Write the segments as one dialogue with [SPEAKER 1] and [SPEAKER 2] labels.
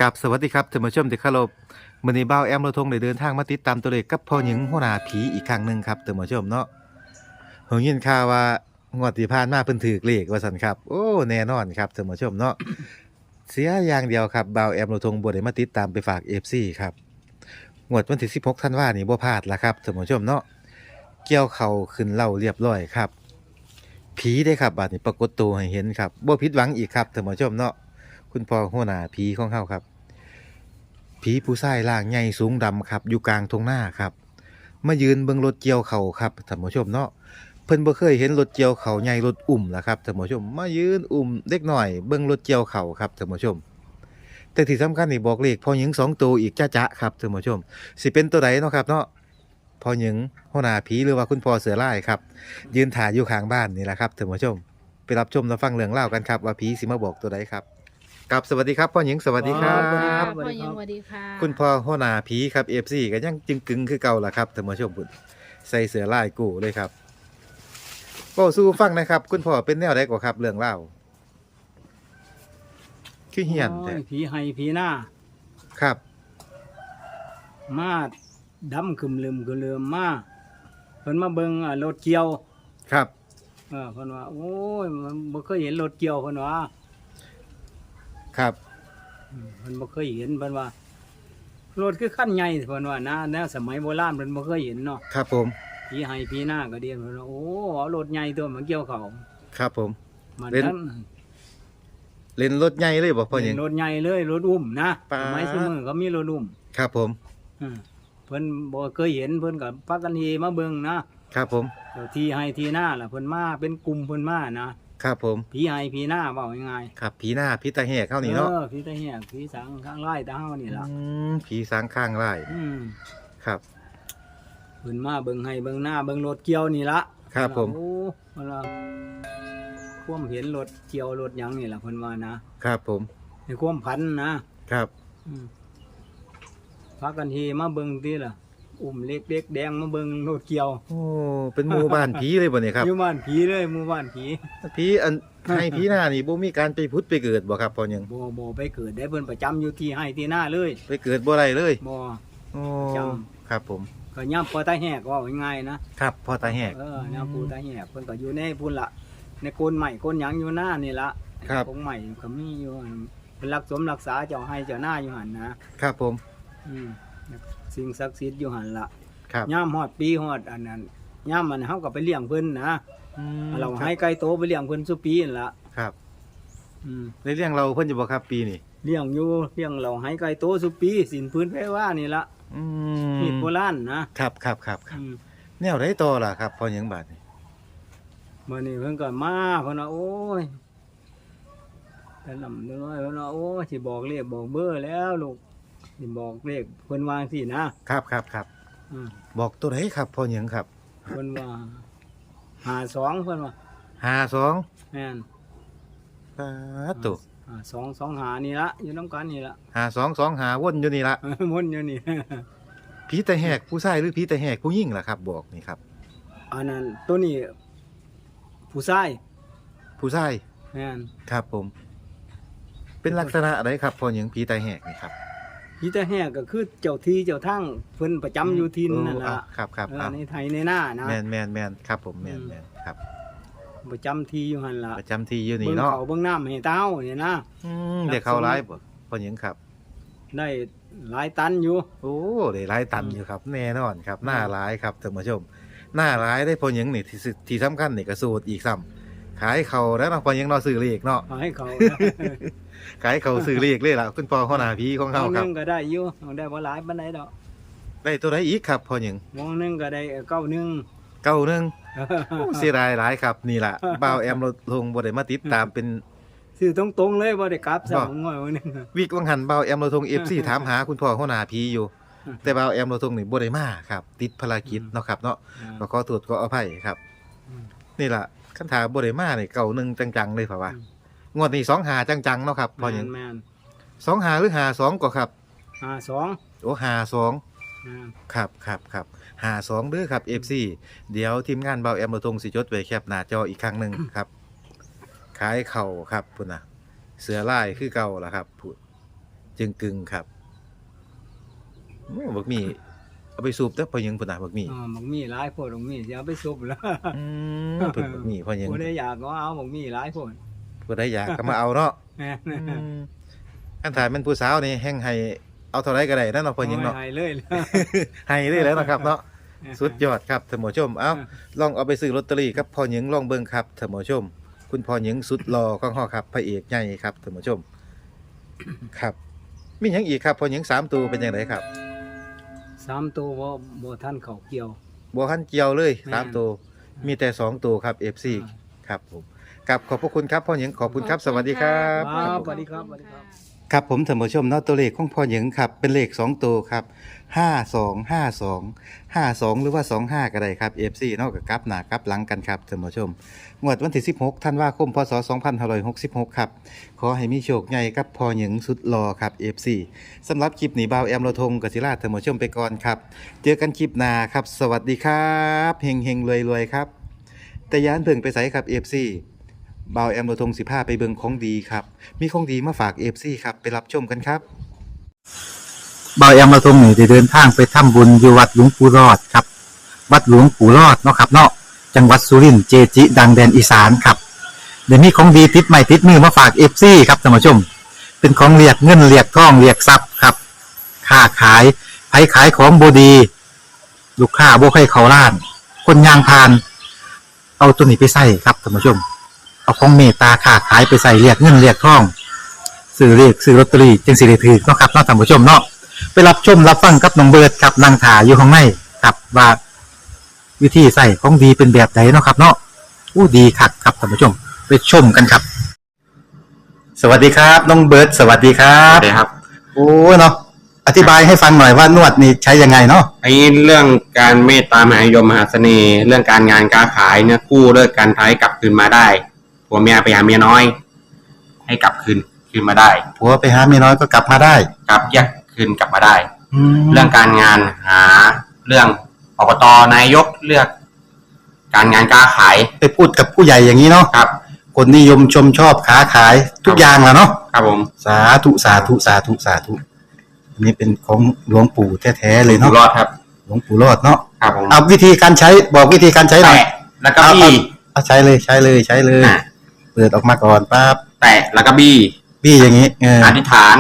[SPEAKER 1] กับสวัสดีครับท่านผู้ชมที่เคารพมื้อนี้บ่าวแอมเราทงได้เดินทางมาติดตามตัวเลขกับพ่อหญิงหัวหน้าผีอีกครั้งหนึงครับท่านผู้ชมเนาะผมยินข่าวว่างวดที่ผ่านมาเพิ่นถูกเลขว่าซั่นครับโอ้แน่นอนครับท่านผู้ชมเนาะเสียอย่างเดียวครับบ่าวแอมเราทงบ่ได้มาติดตามไปฝาก FC ครับงวดวันที่16ธันวาคมนี้บ่พลาดละครับท่านผู้ชมเนาะเกี่ยวเข้าขึ้นเหล้าเรียบร้อยครับผีเด้ครับบัดนี้ปรากฏตัวให้เห็นครับบ่ผิดหวังอีกครับท่านผู้ชมเนาะคุณพ่อหัวหน้าผีของเฮาครับ ผีผู้ชายร่างใหญ่สูงดำครับอยู่กลางทุ่งนาครับมายืนเบิ่งรถเกี่ยวเขาวครับท่านผู้ชมเนาะเพิ่นบ่เคยเห็นรถเกี่ยวเขาวใหญ่รถอุ้มล่ะครับท่านผู้ชมมายืนอุ้มเด็กน้อยเบิ่งรถเกี่ยวเขาวครับท่านผู้ชมแต่ที่สำคัญนี่บอกเลขพ่อหญิง2ตัวอีกจ๊ะๆครับท่านผู้ชมสิเป็นตัวใดเนาะครับเนาะพ่อหญิงหัวหน้าผีหรือว่าคุณพ่อเสือร้ายครับยืนถ่ายอยู่ข้างบ้านนี่แหละครับท่านผู้ชมไปรับชมรับฟังเรื่องเล่าวกันครับว่าผีสิมาบอกตัวใดครับกับสวัสดีครับพ่อหญิงสวัสดีครั
[SPEAKER 2] สวัสดีครับ บ
[SPEAKER 3] พ่อยังสวัสดีค่ะ
[SPEAKER 1] คุณพ่อหัวหน้าผีครับ FC ก็ยังจึงกึงคือเก่าล่ะครับท่านผู้ชมบุญใส่เสื้อลายกูเลยครับก็สู้ฟังนะครับ คุณพ่อเป็นแนวใดกว่าครับเรื่องเล่าคือเฮียนแต่
[SPEAKER 2] โอ้ผีไห้ผีหน้า
[SPEAKER 1] ครับ
[SPEAKER 2] มาดำคึมลืมคึมลืมมาเพิ่นมาเบิ่งรถเกี่ยว
[SPEAKER 1] ครับ
[SPEAKER 2] เพิ่นว่าโอ้ยมันบ่เคยเห็นรถเกี่ยวเพิ่นว่า
[SPEAKER 1] ครับ
[SPEAKER 2] เพิ่นบ่เคยเห็นเพิ่นว่ารถคือคันใหญ่เพิ่นว่านะแนวสมัยโบราณเพิ่นบ่เคยเห็นเนาะ
[SPEAKER 1] ครับผม
[SPEAKER 2] ผีไห้ผีหน้าก็เดียนเพิ่นว่าโอ้เอารถใหญ่ตัวมาเกี่ยวเขา
[SPEAKER 1] ครับผม
[SPEAKER 2] มัน
[SPEAKER 1] เล่น
[SPEAKER 2] นั้น
[SPEAKER 1] เล่นรถใหญ่เลยบอกพ่อหญิง
[SPEAKER 2] รถใหญ่เลยรถอุ้มนะ
[SPEAKER 1] ป๊าด
[SPEAKER 2] สมัยซุมื้อก็มีรถอุ้ม
[SPEAKER 1] ครับผม
[SPEAKER 2] อืมเพิ่นบ่เคยเห็นเพิ่นก็พากันเฮมาเบิ่งนะครับ
[SPEAKER 1] ผม
[SPEAKER 2] เดี๋ยวทีให้ทีหน้าล่ะเพิ่นมาเป็นกลุ่มเพิ่นมานะครับ
[SPEAKER 1] ผม
[SPEAKER 2] ผีให้ผีหน้าเว้าง่าย
[SPEAKER 1] ครับผีหน้าผีตาแหกเข้า
[SPEAKER 2] ๆ
[SPEAKER 1] นี่เนาะ
[SPEAKER 2] ผีตะเหียกผีสังข้างไร่ตาเฮานี่ล่ะ
[SPEAKER 1] ผีสางข้างไร่
[SPEAKER 2] อืม
[SPEAKER 1] ครับ
[SPEAKER 2] เพิ่นมาเบิ่งให้เบิ่งหน้าเบิ่งรถเกี่ยวนี่ล่ะ
[SPEAKER 1] ครับผม
[SPEAKER 2] โอ้เพิ่นว่าความเห็นรถเกี่ยวรถหยังนี่ล่ะเพิ่นว่านะครับ
[SPEAKER 1] ผม
[SPEAKER 2] ในความพันนะครับ อืมพากันเฮมาเบิ่งติล่ะอุ้มเล็กเด็กแดงมาเบิ่งรถเกี่ยว
[SPEAKER 1] โอ้เป็นหมู่บ้านผีเลยบ่เนี่ยครับ
[SPEAKER 2] อยู่บ้านผีเลยหมู่บ้านผี
[SPEAKER 1] ผีอันให้ผีหน้านี่บ่มีการไปพุทธไปเกิดบ่ครับพ่อหญิง
[SPEAKER 2] บ่ไปเกิดได้เพิ่นประจำอยู่ที่ให้ที่หน้าเลย
[SPEAKER 1] ไปเกิดบ่ได้เลย
[SPEAKER 2] บ่
[SPEAKER 1] โอ้
[SPEAKER 2] จ
[SPEAKER 1] ครับผม
[SPEAKER 2] ก็ย่ำพอตาแหกว่าง่ายๆนะครับ
[SPEAKER 1] พ่อตาแหก
[SPEAKER 2] ย่ำปูตาแหกเพิ่นก็อยู่ในพุ่นละในโกนใหม่โกนหยังอยู่หน้านี่ละ
[SPEAKER 1] ครับ
[SPEAKER 2] ของใหม่ก็มีอยู่หั่นเป็นรักสมรักษาเจ้าให้เจ้าหน้าอยู่หั่นนะครับ
[SPEAKER 1] ผม
[SPEAKER 2] อืมสิ่งศักดิ์สิทธิ์อยู่หั่นละ
[SPEAKER 1] ครับ
[SPEAKER 2] ย่ำฮอดปีฮอดอันนั้นย่ำมันเฮาก็ไปเลี้ยงเพิ่นนะ
[SPEAKER 1] อืม
[SPEAKER 2] เราให้ไก่โตไปเลี้ยงเพิ่นซุปีนั่นละ
[SPEAKER 1] ครับ
[SPEAKER 2] อืม
[SPEAKER 1] ในเรื่องเราเพิ่นจะบอกครับปีนี้
[SPEAKER 2] เลี้ยงอยู่เลี้ยงเราให้ไก่โตซุปีสินพื้นแพ้ว่านี่ละ
[SPEAKER 1] อื
[SPEAKER 2] มีดโบราณนะครับ
[SPEAKER 1] ครับครับ
[SPEAKER 2] อืม
[SPEAKER 1] แนวไดต่อล่ะครับพ่อหยังบาดนี่
[SPEAKER 2] มื่อนี้เพิ่นก็มาเพิ่นว่าโอ้ยแต่ลำน้อยเพิ่นว่าโอ้ยสิบอกเลขบอกเบอร์แล้วลูกสิบอกเลขเพิ่นวาจังซี่นะครับ
[SPEAKER 1] ครับ
[SPEAKER 2] อืม
[SPEAKER 1] บอกตัวไหนครับพ่อหยังครับ
[SPEAKER 2] เพิ่นว่า52เพิ่นว่า
[SPEAKER 1] 52
[SPEAKER 2] แม่น
[SPEAKER 1] ปาดตุ
[SPEAKER 2] 2 2 5นี่ละอยู่นํกันนี่ละ
[SPEAKER 1] 5225วนอยู่นี่ละ
[SPEAKER 2] วนอยู่นี่
[SPEAKER 1] ผีตาแหกผู้ชายหรือผีตาแหกผู้หญิงล่ะครับ บอกนี่ครับ
[SPEAKER 2] อันนั้นตัวนี้ผู้ชาย
[SPEAKER 1] ผู้ชาย
[SPEAKER 2] แม่น
[SPEAKER 1] ครับผม เป็นลักษณะอะไรครับพ่อหยังผีตาแหกนี่ครับ
[SPEAKER 2] พี่ตาแหกก็คือเจ้าที่เจ้าทางเพิ่นประจำอยู่ที่นั่น
[SPEAKER 1] โอ้
[SPEAKER 2] ล่ะ
[SPEAKER 1] ครับ
[SPEAKER 2] ในไทยในหน้านะ
[SPEAKER 1] แม่นครับผมแม่นครับ
[SPEAKER 2] ประจำที่อยู่หั่นล่ะ
[SPEAKER 1] ประจำที่อยู่นี่
[SPEAKER 2] เบิ่ง
[SPEAKER 1] เนาะ
[SPEAKER 2] เขาเบิ่งน้ำให้เต้าเนี่ยนะ
[SPEAKER 1] เด็กเข้าร้ายบ่พ่อหยังครับ
[SPEAKER 2] ได้หลายตันอยู่
[SPEAKER 1] โอ้ได้หลายตันอยู่ครับ แน่นอนครับหน้าร้ายครับท่านผู้ชมหน้าร้ายได้พ่อหยังนี่ที่สำคัญนี่ก็สูตรอีกซ้ำขายเขาแล้วเนาะพ่อหยังเนาะซื้อเลขเนาะ
[SPEAKER 2] เอาให้เขา
[SPEAKER 1] ขายเขาซื้อเลขเลยล่ะคุณพ่อหัวหน้าผีของ
[SPEAKER 2] ม
[SPEAKER 1] เขา
[SPEAKER 2] องห
[SPEAKER 1] ครั
[SPEAKER 2] นึ
[SPEAKER 1] บ
[SPEAKER 2] งก็ได้อยู่ได้บ่หลายปานใดดอก
[SPEAKER 1] ได้ตัวใดอีกครับพ่อหยัง
[SPEAKER 2] มองหนึงก็ได้91
[SPEAKER 1] เก้าหนึงโอ้เสียดายหลายครับนี่ล่ะบ่าวแอมเราลงบ่ได้มาติดตามเป็น
[SPEAKER 2] ซื้อตรงๆเลยบ่ได้กลับซะ
[SPEAKER 1] บ่
[SPEAKER 2] งอยวันนึง
[SPEAKER 1] วิกวังหันบ่าวแอมเราทง FC ถามหาคุณพ่อหัวหน้าผีอยู่ แต่บ่าวแอมเราทงนี่บ่ได้มาครับ ติดภารกิจเนาะครับเนาะ ก็ขอโทษขออภัยครับ นี่ล่ะคันถาบ่ได้มานี่เก่าหนึงจังๆเลยเพราะว่างวดนี้25จังๆเนาะครับพอหยัง
[SPEAKER 2] แม่น
[SPEAKER 1] 25หรือ52ก็ครับ
[SPEAKER 2] 52
[SPEAKER 1] โอ้52ครับ52เด้อครับ FC เดี๋ยวทีมงานเบาแอมบ่ทงสิจดไว้แคปหน้าจออีกครั้งหนึงครับ ขายเข่าครับพุ่นน่ะ เสือลายคือเก่าล่ะครับพุ่นจึงกึ่งครับโอ้บักหมี่เอาไปสูบเด้อพ่อหยังพุ่นน่ะบักหมี่
[SPEAKER 2] บักมีหลายโพดบักมีสิเอาไปซุปแล้ว
[SPEAKER 1] อืเพิ่นบักหมี่พ่อหยัง
[SPEAKER 2] ผู้ใดอยากก็เอาบักมีหลายโพด
[SPEAKER 1] ผู้ใดอยากก็มาเอาเนาะ
[SPEAKER 2] แม่น
[SPEAKER 1] อืมคันถ่ายมันผู้สาวนี่แฮ่งให้เอาเท่าไรก็ได้นั่นเนาะพ่อหยังเนาะ
[SPEAKER 2] ให้เลยแล้ว
[SPEAKER 1] ให้เลยแล้วนะครับเนาะสุดยอดครับท่านผู้ชมเอ้าลองเอาไปซื้อลอตเตอรี่กับพ่อหยังลองเบิ่งครับท่านผู้ชม คุณพ่อหยังสุดหล่อของเฮาครับพระเอกใหญ่ครับท่านผู้ชม ครับมีหยังอีกครับพ่อหยัง3ตัวเป็นจังไดครับ
[SPEAKER 2] 3ตัวบ่ทันเข้าเกี่ยว
[SPEAKER 1] บ่ทันเกี่ยวเลย
[SPEAKER 2] แม่น
[SPEAKER 1] 3ตัวมีแต่2ตัวครับ FC ครับผมกับขอบพระคุณครับพ่อหยังขอบคุณครับสวัสดีครับ
[SPEAKER 2] ครับสวัสดีครับสวัสดีครับ
[SPEAKER 1] ครับผมท่านผู้ชมเนาะตัวเลขของพ่อหยังครับเป็นเลข2ตัวครับ5252หรือว่า25ก็ได้ครับ FC เนาะก็กลับหน้ากลับหลังกันครับท่านผู้ชมงวดวันที่16ธันวาคมพศ2566ครับขอให้มีโชคใหญ่กับพ่อหยังสุดหล่อครับ FC สำหรับคลิปนี้บ่าวแอมเราทงกศิราท่านผู้ชมไปก่อนครับเจอกันคลิปหน้าครับสวัสดีครับเฮงๆรวยๆครับแต่อยาเพิ่งไปไสครับ FC บ่าวแอมเราทง15ไปเบิ่งของดีครับมีของดีมาฝาก FC ครับไปรับชมกันครับบ่าวแอมเราทงนี่ได้เดินทางไปทำบุญอยู่วัดหลวงปู่รอดครับวัดหลวงปู่รอดเนาะครับเนาะจังหวัดสุรินทร์เจจิดังแดนอีสานครับเดี๋ยวนี้ของดีติดใหม่ติดมือมาฝาก FC ครับท่านผู้ชมเป็นของเรียกเงินเรียกทองเรียกทรัพย์ครับค้าขายไผขายของบ่ดีลูกค้าบ่ให้เขาล้าน คนยางพาน เอาตัวนี้ไปใส่ครับท่านผู้ชม เอาของเมตตาค้าขายไปใส่เรียกเงินเรียกทองซื้อเรียกซื้อลอตเตอรี่จึงสิได้ถือเนาะครับเนาะท่านผู้ชมเนาะไปรับชมรับฟังกับน้องเบิร์ดครับนางถาอยู่ข้างในครับว่าวิธีใส่ของดีเป็นแบบไหนเนาะครับ เนาะอู้ดีคักครับท่านผู้ชม ไปชมกันครับ สวัสดีครับน้องเบิร์ดสวัสดีครั
[SPEAKER 3] ครับ บครับ
[SPEAKER 1] โอ้เนาะอธิบายให้ฟังหน่อยว่านวดนี่ใช้ยังไงเนาะ
[SPEAKER 3] ไอ้เรื่องการเมตตามหานิยมมหาเสน่ห์ เรื่องการงานการขายเนี่ยกู้เลิกการท้ายกลับคืนมาได้ผัวเมียไปหาเมียน้อย ให้กลับคืนมาได้
[SPEAKER 1] ผัวไปหาเมียน้อยก็กลับมาได้
[SPEAKER 3] กลับแยกคืนกลับมาได้
[SPEAKER 1] แล้
[SPEAKER 3] เรื่
[SPEAKER 1] ว
[SPEAKER 3] องการงานหาเรื่องอบตนายกเลือก การงานการขาย
[SPEAKER 1] ไปพูดกับผู้ใหญ่อย่างนี้เนาะ
[SPEAKER 3] ครับ
[SPEAKER 1] คนนิยมชมชอบค้าขายทุกอย่างแหละเนาะ
[SPEAKER 3] ครับผม
[SPEAKER 1] สาธุสาธุสาธุสาธุอันนี้เป็นของหลวงปู่แท้ๆเลย
[SPEAKER 3] อยู่
[SPEAKER 1] เนาะ
[SPEAKER 3] รอดครับ
[SPEAKER 1] หลวงปู่รอดเนาะ
[SPEAKER 3] ครับผม
[SPEAKER 1] เอาวิธีการใช้บอกวิธีการใช้หน่อย
[SPEAKER 3] แตะแล้วก็บี้
[SPEAKER 1] เอาใช้เลยใช้เลยใช้เลย
[SPEAKER 3] อ่ะ
[SPEAKER 1] เปิดออกมาก่อนปั๊บ
[SPEAKER 3] แตะแล้วก็บี้
[SPEAKER 1] พี่อย่างนี้เออ
[SPEAKER 3] อธิษฐาน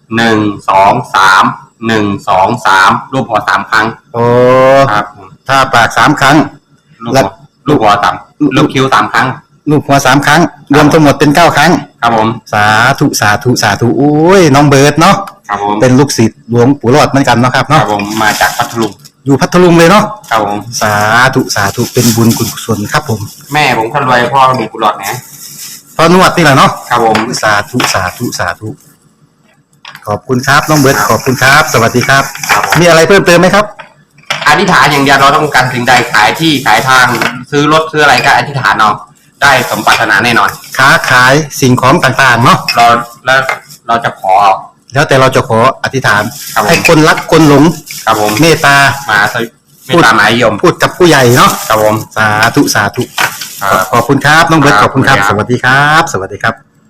[SPEAKER 3] 1 2 3 1 2 3รูปหัวสามครั้ง
[SPEAKER 1] โอ้
[SPEAKER 3] ครับผม
[SPEAKER 1] ถ้าปาก3 ครั้ง
[SPEAKER 3] ลูก
[SPEAKER 1] แล้
[SPEAKER 3] หั
[SPEAKER 1] ว
[SPEAKER 3] วลูกหัวสามลูกคิ้ว3 ครั้ง
[SPEAKER 1] ลูกหัว3 ครั้ง รวมทั้งหมดเป็น9 ครั้ง
[SPEAKER 3] ครับผม
[SPEAKER 1] สาธุสาธุสาธุโอ้ยน้องเบิร์ดเนาะ
[SPEAKER 3] ครับผม
[SPEAKER 1] เป็นลูกศิษย์หลวงปู่รอดเหมือนกันเนาะครับ
[SPEAKER 3] ครั
[SPEAKER 1] เนาะ
[SPEAKER 3] บผมมาจากพัทลุง
[SPEAKER 1] อยู่พัทลุงเลยเนาะ
[SPEAKER 3] ครับผม
[SPEAKER 1] สาธุสาธุเป็นบุญกุศลครับผม
[SPEAKER 3] แม่ผมคนรวยพ่อมีกุหลาบนะ
[SPEAKER 1] พอนวดนี่แหละเนาะ
[SPEAKER 3] ครับผม
[SPEAKER 1] สาธุสาธุสาธุขอบคุณครับน้องเบิร์ตขอบคุณครับ สวัสดีครับ
[SPEAKER 3] ครับผม
[SPEAKER 1] มีอะไรเพิ่มเติมไหมครับ
[SPEAKER 3] อธิษฐานอย่างเดียวเราต้องการสิ่งใดขายที่ขายทางซื้อรถซื้ออะไรก็อธิษฐานเอาได้สมปรารถนาแน่นอน
[SPEAKER 1] ค้าขายสิ่งของต่างๆเนาะ
[SPEAKER 3] แล้วเราจะขอ
[SPEAKER 1] แล้วแต่เราจะขออธิษฐาน
[SPEAKER 3] ครับผม
[SPEAKER 1] ให้คนรักคนหลง
[SPEAKER 3] ครับผม
[SPEAKER 1] เมตตา
[SPEAKER 3] มาสวิไม่ตามหมายยม
[SPEAKER 1] พูดกับผู้ใหญ่เนาะ
[SPEAKER 3] ครับผม
[SPEAKER 1] สาธุสาธุ
[SPEAKER 3] ครับ
[SPEAKER 1] ขอบคุณครับน้องเบิร์ต
[SPEAKER 3] ค
[SPEAKER 1] ข
[SPEAKER 3] รับ
[SPEAKER 1] อบคุณครับ
[SPEAKER 3] ขอบ
[SPEAKER 1] ส
[SPEAKER 3] คุณครับ
[SPEAKER 1] วัสดีครับ สวัสดีครับ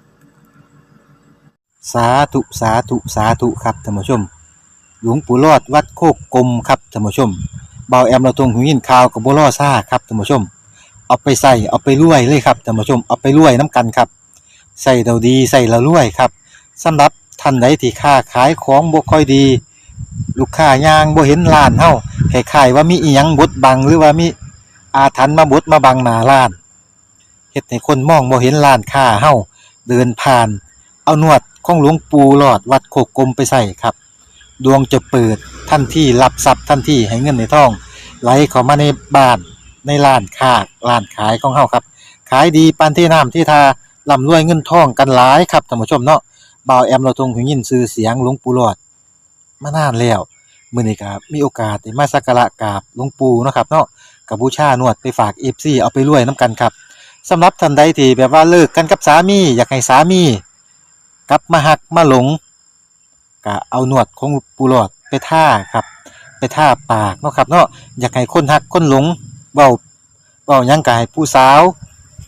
[SPEAKER 1] สาธุสาธุสาธุครับท่านผู้ชม หลวงปู่รอดวัดโคกกลมครับท่านผู้ชมเบาแอมเราตรงหูยินข่าวกับบัวล่อซ่าครับท่านผู้ชม เอาไปใส่เอาไปรวยเลยครับท่านผู้ชมเอาไปรวยน้ำกันครับใส่เราดีใส่เรารวยครับสำหรับท่านใดที่ค้าขายของบ่ค่อยดี ลูกค้ายางบ่เห็นร้านเฮาคล้ายๆว่ามีอีหยังบดบังหรือว่ามีอาถรรพ์มาบดมาบังหน้าร้านเฮ็ดให้คนมองบ่เห็นร้านค้าเฮาเดินผ่าน เอานวดของหลวงปู่หลอดวัดโคกกลมไปใส่ครับ ดวงจะเปิดทันทีรับทรัพย์ทันทีให้เงินในท้อง ไหลเข้ามาในบ้านในร้านค้าร้านขายของเฮาครับ ขายดีปานที่น้ำที่ทาร่ำรวยเงินทองกันหลายครับท่านผู้ชมเนาะบ่าวแอมเราทรงหูยินชื่อเสียงหลวงปู่หลอดมานานแล้วมื้อนี้ก็มีโอกาสได้มาสักการะกราบหลวงปู่เนาะครับเนาะก็บูชานวดไปฝาก FC เอาไปรวยนํกันครับสำหรับท่านใดที่แบบว่าเลิกกันกับสามีอยากให้สามีกลับมาหักมาหลงก็เอานวดของปู่หลอดไปท่าครับ ไปท่าปากเนาะครับเนาะอยากให้คนหักคนหลงเว้าหยังกายผู้สาว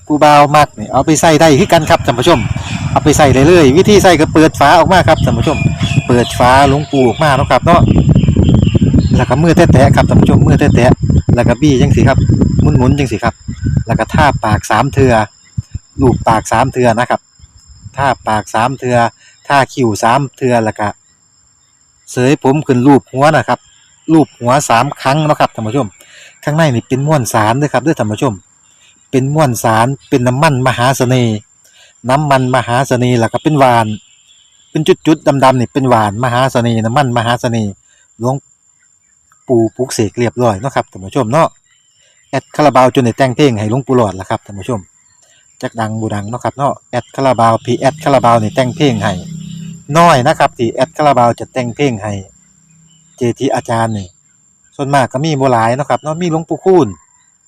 [SPEAKER 1] ผู้บ่าวมักนี่เอาไปใส่ได้คือกันครับท่านผู้ชมเอาไปใส่ได้เลยวิธีใส่ก็เปิดฝาออกมาครับท่านผู้ชมเปิดฝาหลวงปูออกมาเนาะครับเนาะแล้วก็มือแตะๆครับท่านผู้ชมมือแตะๆแล้วก็บี้จังสิครับหมุนๆจังสิครับแล้วก็ทาปาก3เทื่อลูบปาก3เทื่อนะครับทาปาก3เทื่อทาคิ้ว3เทื่อแล้วก็เสยผมขึ้นรูปหัวนะครับรูปหัว3ครั้งเนาะครับท่านผู้ชมข้างในนี่เป็นม้วนสารเด้อครับเด้อท่านผู้ชมเป็นม้วนสารเป็นน้ำมันมหาเสน่ห์น้ำมันมหาเสน่ห์แล้วก็เป็นหวานเป็นจุดๆดำๆนี่เป็นหวานมหาเสน่ห์น้ำมันมหาเสน่ห์หลวงปู่ปลุกเสกเรียบร้อยเนาะครับท่านผู้ชมเนาะแอดคาราบาวจนได้แต่งเพลงให้หลวงปู่หลอดล่ะครับท่านผู้ชมจักดังบ่ดังเนาะครับเนาะแอดคาราบาวพี่แอดคาราบาวนี่แต่งเพลงให้น้อยนะครับที่แอดคาราบาวจะแต่งเพลงให้เจทีอาจารย์นี่ส่วนมากก็มีบ่หลายเนาะครับเนาะมีหลวงปู่คูณ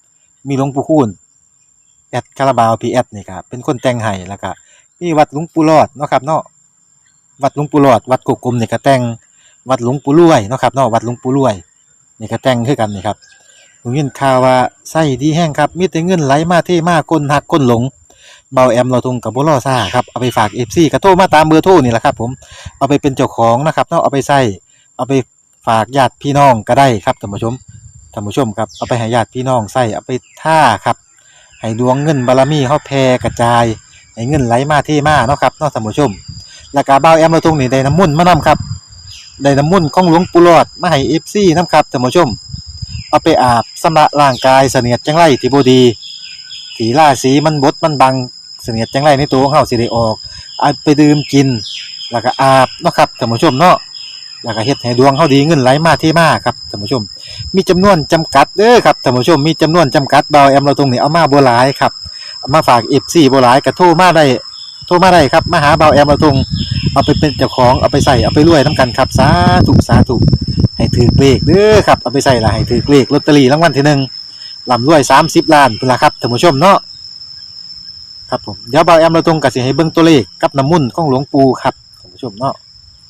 [SPEAKER 1] แอดคาราบาวพีแอดนี่ครับเป็นคนแต่งให้แล้วก็มีวัดหลวงปู่รอดเนาะครับเนาะวัดหลวงปู่รอดวัดกกกลมนี่ก็แต่งวัดหลวงปู่รวยเนาะครับเนาะวัดหลวงปู่รวยนี่ก็แต่งคือกันนี่ครับผมยินข่าวว่าไส้ดีแห้งครับมีแต่เงินไหลมาเทมาคนหักคนหลงเบาแอมเราทงกับบ่รอซ่าครับเอาไปฝาก FC ก็โทรมาตามเบอร์โทรนี่แหละครับผมเอาไปเป็นเจ้าของนะครับเนาะเอาไปใช้เอาไปฝากญาติพี่น้องก็ได้ครับท่านผู้ชมครับเอาไปให้ญาติพี่น้องใช้เอาไปท่าครับให้ดวงเงินบารมีเฮาแผ่กระจายให้เงินไหลมาเทมาเนาะครับเนาะท่านผู้ชมแล้วก็บ่าวแอมเราทงนี่ได้น้ำมนต์มานํครับได้น้ำมนต์ของหลวงปู่หลอดมาให้ FC นํครับท่านผู้ชมเอาไปอาบชำระร่างกายเสนียดจังไรที่บ่ดีที่ราศีมันบดมันบังเสนียดจังไรในตัวของเฮาสิได้ออกเอาไปดื่มกินแล้วก็อาบเนาะครับท่านผู้ชมเนาะแล้วก็เฮ็ดให้ดวงเฮาดีเงินไหลมาเทมาครับท่านผู้ชมมีจำนวนจำกัดเด้อครับท่านผู้ชมมีจำนวนจำกัดบ่าวแอมเราตรงนี้เอามาบ่หลายครับเอามาฝาก FC บ่หลายก็โทรมาได้ครับมาหาบ่าวแอมเราตรงเอาไปเป็นเจ้าของเอาไปใส่เอาไปรวยนํกันครับสาธุให้ถือเลขเด้อครับเอาไปใส่ละให้ถือเลขลอตเตอรี่รางวัลที่หนึ่งร่ำรวย30ล้านพุ่นล่ะครับท่านผู้ชมเนาะครับผมเดี๋ยวบ่าวแอมเราตรงก็สิให้เบิ่งตัวเลขกับน้ำมนต์ของหลวงปู่ครับท่านผู้ชมเนาะ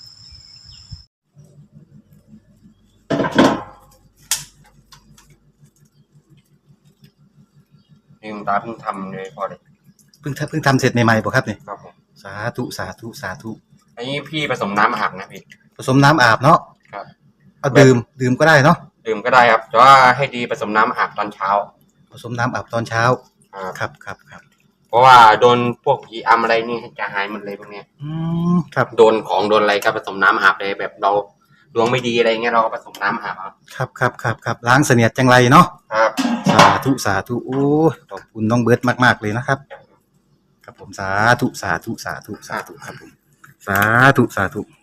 [SPEAKER 3] ลืมตาเพิ่งทำเลยพอเลย
[SPEAKER 1] เพิ่งทำเสร็จใหม่ๆบ่ครับเนี่ย
[SPEAKER 3] ครับผม
[SPEAKER 1] สาธุ
[SPEAKER 3] อันนี้พี่ผสมน้ำอาบนะพี่
[SPEAKER 1] ผสมน้ำอาบเนาะ
[SPEAKER 3] ครับ
[SPEAKER 1] เอาดื่มก็ได้เนาะ
[SPEAKER 3] ดื่มก็ได้ครับแต่ว่าให้ดีผสมน้ำอาบตอนเช้า
[SPEAKER 1] ผสมน้ำอาบตอนเช้าครับ
[SPEAKER 3] เพราะว่าโดนพวกผีอำอะไรนี่จะหายหมดเลยพวกเนี้ย
[SPEAKER 1] ครับ
[SPEAKER 3] โดนอะไรก็ผสมน้ำอาบเลยแบบเราดวงไม่ดีอะไรเงี้ยเราก็ผสมน้ำอาบ
[SPEAKER 1] ครับล้างเสนียดจังไรเนาะ
[SPEAKER 3] ครับ
[SPEAKER 1] สาธุโอ้ขอบคุณน้องเบิร์ดมากๆเลยนะครับครับผมสาธุครับผมสาธุ